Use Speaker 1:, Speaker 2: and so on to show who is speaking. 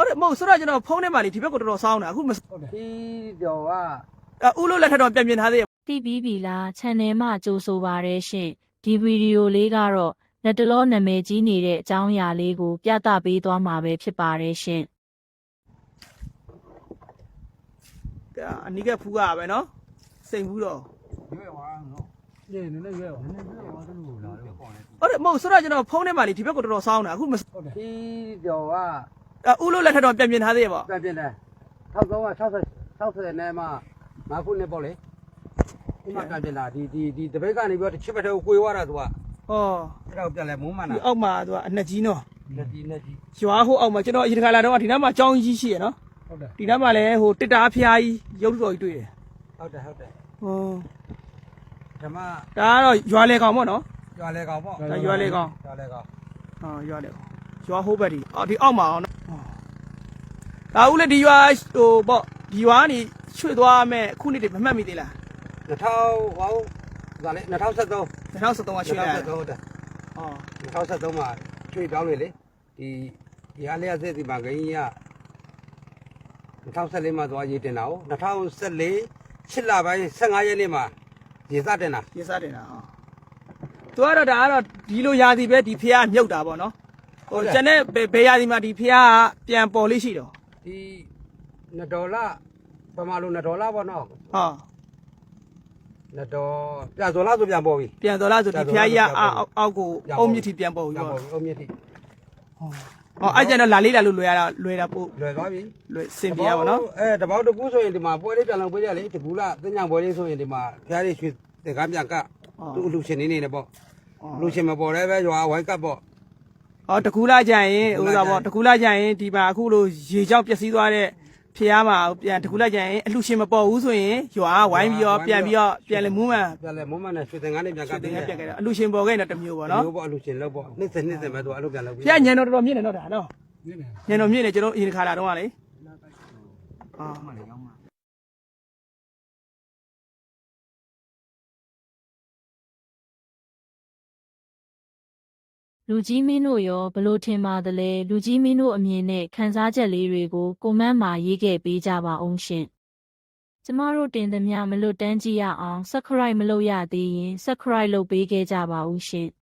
Speaker 1: ဟုတ်တယ်မဟုတ်ဆိုတော့ကျွန်တော်ဖုန်းထဲမှာလေဒီဘက်ကိုတော်တော်စောင်းတာအခုမ
Speaker 2: ဒီတော့က
Speaker 1: ဦးလို့လက်ထက်တော့ပြန်ထားသေးရဲ့
Speaker 3: သိပြီးပြီလား channel မှာကြိုဆိုပါရရှင်ဒီဗီဒီယိုလေးကတော့လက်တလောနာမည်ကြီးနေတဲ့အကြောင်းအရာလေးကိုပြသပေးသွားမှာပဲဖြစ်ပါတယ်ရှင်
Speaker 1: အနီးကဖူးရပဲနော်စိန်ဘူးတော့
Speaker 2: ရွေးသွားနော်နည်းနည်းရွေးသွားနည်းနည်းရွေးသွားသူ့ကိုလာတော့
Speaker 1: ဟုတ်တယ်မဟုတ်ဆိုတော့ကျွန်တော်ဖုန်းထဲမှာလေဒီဘက်ကိုတော်တော်စောင်းတာအခုမ
Speaker 2: ဒီတော့
Speaker 1: ကဦးလို့လက်ထက်တော့ပြန်ထားသေးရဲ့ပေါ့
Speaker 2: ပြန်တယ်1360နဲ့မှ9ခုနှစ်ပေါ့လေဒီမှာပြန်ပြင်လာဒီတပိတ်ကနေပြီးတော့တစ်ချစ်ဘက်ထဲကိုကိုွေသွားတာသူက
Speaker 1: ဟော
Speaker 2: အဲ့ဒါကိုပြန်လဲမုန်းမှန်တာ
Speaker 1: ဒီအောက်မှာသူကအနှစ်ကြီးနော်
Speaker 2: လက်ကြီး
Speaker 1: ရွာဟိုအောက်မှာကျွန်တော်အရင်ခါလာတော့ဒီနားမှာကြောင်းကြီးရှိရနော်
Speaker 2: ဟုတ်တယ်
Speaker 1: ဒီနားမှာလည်းဟိုတစ်တာဖျားကြီးရုပ်တော်ကြီးတွေ့တယ်
Speaker 2: ဟုတ်တယ်ဟောဓမ္မ
Speaker 1: ဒါကတော့ရွာလေကောင်ပေါ့နော်
Speaker 2: ရွာလေကောင်ပေါ့
Speaker 1: ဒါရွာလေကောင်
Speaker 2: ဟော
Speaker 1: ရွာလေကောင်ရွာဟိုးဘက်ဒီဒီအောက်မှာအောင်နော်ဒါဦးလေဒီရွာဟိုပေါ့ဒီရွာကနေရွှေ့သွားမယ်အခုနေ့တည်းမမှတ်မိသေးလား
Speaker 2: 2000ဟောဒါလေ2013
Speaker 1: ကရွှေ့လာ
Speaker 2: ဟုတ်တယ်2013မှာရွှေ့တောင်းလေဒီအားလျက်စစ်ဒီမှာဂိမ်းက2014မှာသွားရေးတင်တာဟုတ်2014 8လပိုင်း15ရက်နေ့မှာရေစတင်တာ
Speaker 1: ဟောသူကတော့ဒါကတော့ဒီလိုရာသီပဲဒီဖျားမြုပ်တာပေါ့နော်ဟိုကျန်တဲ့ဘယ်ရာသီမှာဒီဖျားကပြန်ပေါ်လေးရှိတော့
Speaker 2: ဒီ$ပမာလို့$ပေါ့နော်
Speaker 1: $
Speaker 2: ပြန်စော်လားဆိုပြန်ပေါ်ပြီ
Speaker 1: ပြန်စော်လားဆိုဒီဖျားကြီးကအောက်ကိုအုံမြစ်ထိပြန်ပေါ်ပြီ
Speaker 2: ပေါ့အုံမြစ်ထိ
Speaker 1: အဲ့ကျန်တော့လာလေးလာလို့လွယ်တာပို့
Speaker 2: လွယ်သွားပြီ
Speaker 1: လွယ်စင်ပြရပါတော့
Speaker 2: တပေါက်တကူဆိုရင်ဒီမှာပွဲလေးပြန်လုပ်ပေးကြလေတကူလားတင်ညာပွဲလေးဆိုရင်ဒီမှာဖျားလေးရွှေတင်ကားပြန်ကသူ့အလူရှင်နေနေပေါ့လူရှင်မပေါ်လည်းပဲရွာဝိုင်းကပ်ပေါ့
Speaker 1: တကူလာကြရင်ဥစားပေါ့တကူလာကြရင်ဒီမှာအခုလိုရေကြောက်ပျက်စီးသွားတဲ့ဖျားမှာပြန်တကူလာကြရင်အလူရှင်မပေါ်ဘူးဆိုရင်ရွာဝိုင်းပြီးတော့ပြန်လေမူးမှန်
Speaker 2: နဲ့ရွှေတင်ကားနဲ့ပြန်ကပ်
Speaker 1: ပြန်ခဲ့တယ်အလူရှင်ပေါ်ခဲ့တော့တမျိုးပေါ့နော်
Speaker 2: မျိုးပေါ့အလူရှင်လောက်ပေါ့နှစ်ပဲသူအလုပ်ပြန်လုပ်
Speaker 1: ပြီးဖျားညံတော်တော်မြင့်နေတော့ဒါနော်ညံတော်မြင့်နေကျွန်တော်အရင်ခါလာတော့ကလေ
Speaker 3: လူကြီးမင်းတို့ရောဘလို့ထင်ပါသလဲလူကြီးမင်းတို့အမြင်နဲ့ခန်းစားချက်လေးတွေကိုကွန်မန့်မှာရေးခဲ့ပေးကြပါအောင်ရှင်ကျမတို့တင်သမျှမလွတ်တမ်းကြည့်ရအောင် subscribe မလုပ်ရသေးရင် subscribe လုပ်ပေးခဲ့ကြပါဦးရှင်